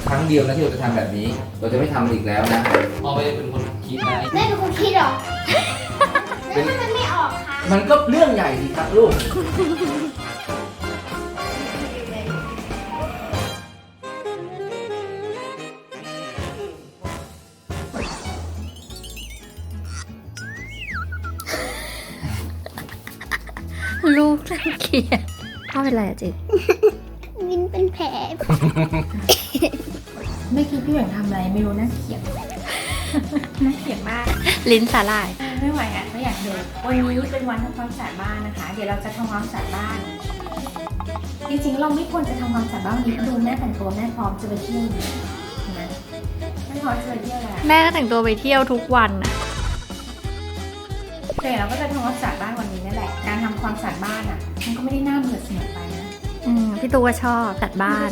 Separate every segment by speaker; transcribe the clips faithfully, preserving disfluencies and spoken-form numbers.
Speaker 1: ครั้งเดียวนะที่เราจะทำแบบนี้เราจะไม่ทำอีกแล้วนะพ่อไม่ได้เป็นคนคิดนะ
Speaker 2: แม่เป็นคนคิดหรอแล้วถ้ามันไม่ออกคะ
Speaker 1: มันก็เรื่องใหญ่สิครับลูก
Speaker 3: ลูกรังเกียจพ่อเป็นไรอะจิ
Speaker 2: วินเป็นแผลไม่คิดพี่หยวนทำอะไรไม่รู้น่าเกลียดน่าเกลียดมาก
Speaker 3: ลิ้นสาลาย
Speaker 2: ไม่ไหวอ่ะไม่อยากเดินวันนี้เป็นวันทำความสะอาดบ้านนะคะเดี๋ยวเราจะทำความสะอาดบ้านจริงๆเราไม่ควรจะทำความสะอาดบ้านนี้ดูแม่แต่งตัวแม่พร้อมจะไปเที่ยวใช่ไหมแม่พร้อมจะไปเที่ยวแล้ว
Speaker 3: แม่ก็แต่งตัวไปเที่ยวทุกวันอะ
Speaker 2: แต่เราก็จะทำความสะอาดบ้านวันนี้นั่นแหละการทำความสะอาดบ้านอ่ะมันก็ไม่ได้น่าเบื่อเสมอไปนะ
Speaker 3: อืมพี่ตูก็ชอบจัดบ้าน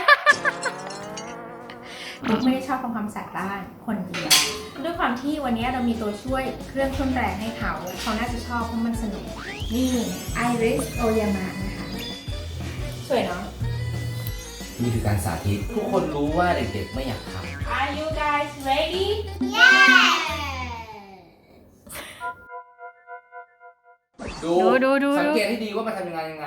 Speaker 2: ไม่ได้ชอบทำความสะอาดบ้านคนเดียวด้วยความที่วันนี้เรามีตัวช่วยเครื่องทุ่นแรงให้เขาเขาน่าจะชอบเพราะมันสนุกนี่ Iris Oyama นะคะสวยเนาะ
Speaker 1: นี่คือการสาธิตทุกคนรู้ว่าเด็กๆไม่อยากทำ
Speaker 2: Are you guys ready? Yeah!
Speaker 1: ดูดูดูสังเกตให้ดีว่ามันทำยังไงยังไง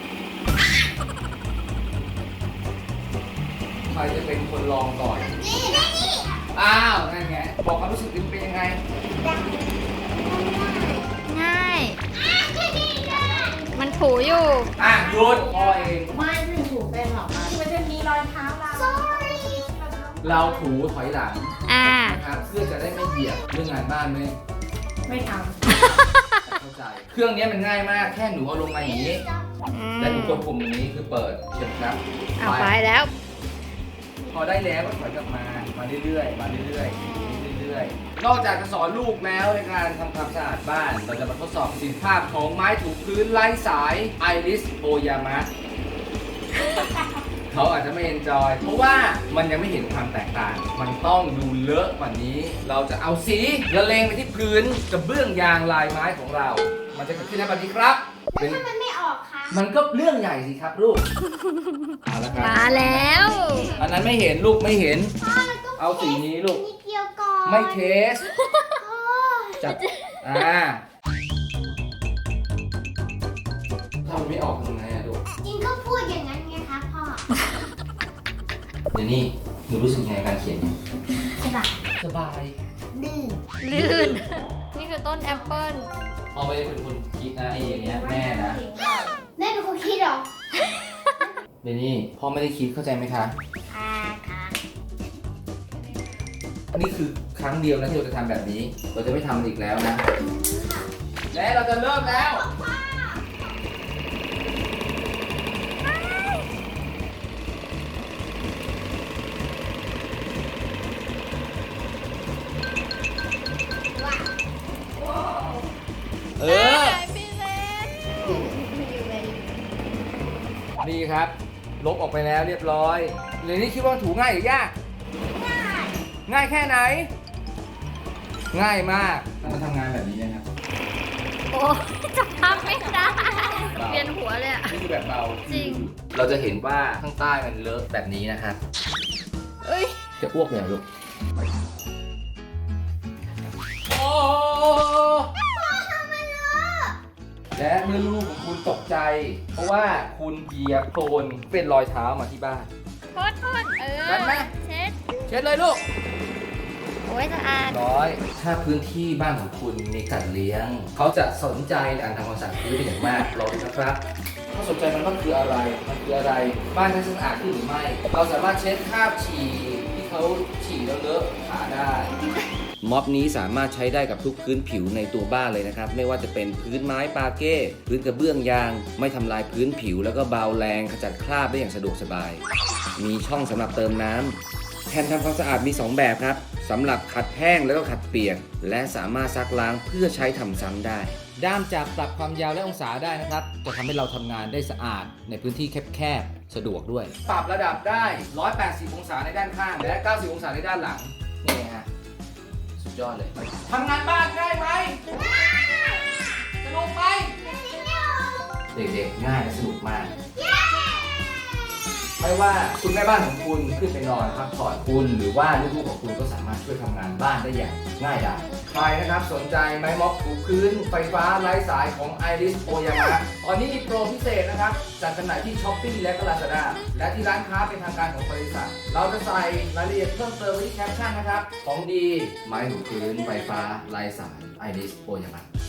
Speaker 1: ใครจะเป็นคนลองก่อนอ้าวนั่นไงบอกความรู้สึกดิเป็นยังไง
Speaker 3: ง่ายมันถูอยู่
Speaker 1: อ่ะหยุดพอเอง
Speaker 2: ไม่ถึงถูเป็นหรอกมันจะมีรอยเท้าเรา Sorry
Speaker 1: เราถูถอยหลัง
Speaker 3: อ่า
Speaker 1: นะครับเพื่อจะได้ไม่เหยียบเรื่องงานบ้านไม่
Speaker 2: ไม่ทำ
Speaker 1: เข้าใจเครื่องนี้มันง่ายมากแค่หนูเอาลงมาอย่างนี้และหนูกดปุ่มอย่างนี้คือเปิดเชิญครับ
Speaker 3: เอาไปแล้ว
Speaker 1: พอได้แล้วก็ถอยกลับมามาเรื่อยๆมาเรื่อยๆเรื่อยๆนอกจากจะสอนลูกแล้วในการทำความสะอาดบ้านเราจะมาทดสอบประสิทธิภาพของไม้ถูพื้นไร้สาย Iris Oyama เขาอาจจะไม่เอนจอยเพราะว่ามันยังไม่เห็นความแตกต่างมันต้องดูเลอะกว่านี้เราจะเอาสีละเลงไปที่พื้นกระเบื้องยางลายไม้ของเรามันจะเกิดขึ้นในวันนี้ครับ
Speaker 2: แล้วถ้ามันไม่ออกคะ
Speaker 1: มันก็เรื่องใหญ่สิครับลูกเอาละครับ
Speaker 3: มาแล้ว
Speaker 1: อันนั้นไม่เห็นลูกไม่เห็นเอาสีนี้ลูกไม่เทสจับอ่าถ้ามันไม่ออกทำไงอะลูก
Speaker 2: จริงก็พูดอย่างนั้นไงคะพ่อ
Speaker 1: เดี๋ยวนี้หนูรู้สึกยังไงการเขียน
Speaker 2: สบาย
Speaker 1: สบาย
Speaker 2: ลื่น
Speaker 3: ลื่นนี่คือต้นแอปเปิ้ล
Speaker 1: พ่อไม่ได้เป็นคนคิดนะไอ้อย่างเงี้ยแม่นะ
Speaker 2: แม่เป็นคนคิดหรอ
Speaker 1: เดี๋ยวนี้พ่อไม่ได้คิดเข้าใจไหมคะ
Speaker 2: ค่ะค่ะ
Speaker 1: นี่คือครั้งเดียวนะที่เราจะทำแบบนี้เราจะไม่ทำอีกแล้วนะและเราจะเริ่มแล้วเออดีครับลบออกไปแล้วเรียบร้อยเดี๋ยวนี้คิดว่าถูง่ายหรือยาก
Speaker 2: ง่าย
Speaker 1: ง่ายแค่ไหนง่ายมากมาทำงานแบบนี้นะครับ
Speaker 3: โอ้จะทำไม่ได้เวียนหัวเลยอ่ะ
Speaker 1: นี่คือแบบเบา
Speaker 3: จริง
Speaker 1: เราจะเห็นว่าข้างใต้มันเลอะแบบนี้นะครับ
Speaker 3: เอ้ย
Speaker 1: จะอ้วกเลยลูกโอ้และเมื่อลูกของคุณตกใจเพราะว่าคุณเหยียบโคลนเป็นรอยเท้ามาที่บ้าน
Speaker 3: โทษโทษเออเช็ด
Speaker 1: เช็ดเลยลูก
Speaker 3: โอ้ยสะอาด
Speaker 1: ร้อยถ้าพื้นที่บ้านของคุณมีสัตว์เลี้ยงเขาจะสนใจในการทำความสะอาดพื้นเป็นอย่างมากรอดูนะครับเขาสนใจมันว่าคืออะไรมันคืออะไรบ้านจะสะอาดขึ้นหรือไม่เราสามารถเช็ดคราบฉี่ที่เขาฉี่แล้วเลอะขาได้ม็อบนี้สามารถใช้ได้กับทุกพื้นผิวในตัวบ้านเลยนะครับไม่ว่าจะเป็นพื้นไม้ปาเก้พื้นกระเบื้องยางไม่ทำลายพื้นผิวแล้วก็เบาแรงขจัดคราบได้อย่างสะดวกสบายมีช่องสำหรับเติมน้ำแผ่นทำความสะอาดมีสองแบบครับสำหรับขัดแห้งแล้วก็ขัดเปียกและสามารถซักล้างเพื่อใช้ทำซ้ำได้ด้ามจับปรับความยาวและองศาได้นะครับจะทำให้เราทำงานได้สะอาดในพื้นที่แคบๆสะดวกด้วยปรับระดับได้หนึ่งร้อยแปดสิบองศาในด้านข้างและเก้าสิบองศาในด้านหลังนี่ฮะสุดยอดเลยทำงานบ้านง่ายไหมง่ายสนุกไหมเด็กๆง่ายและสนุกมากไม่ว่าคุณแม่บ้านของคุณขึ้นไปนอนพักผ่อนคุณหรือว่าลูกๆของคุณก็สามารถช่วยทำงานบ้านได้อย่างง่ายดายใครนะครับสนใจไม้ม็อบถูพื้นไฟฟ้าไร้สายของ Iris Oyama ตอนนี้มีโปรพิเศษนะครับจัดจำหน่ายที่ Shopee และก็ Lazada และที่ร้านค้าเป็นทางการของบริษัทเราจะใส่รายละเอียดเพิ่มเติมไว้ที่แคปชั่นนะครับของดีไม้ถูพื้นไฟฟ้าไร้สาย Iris Oyama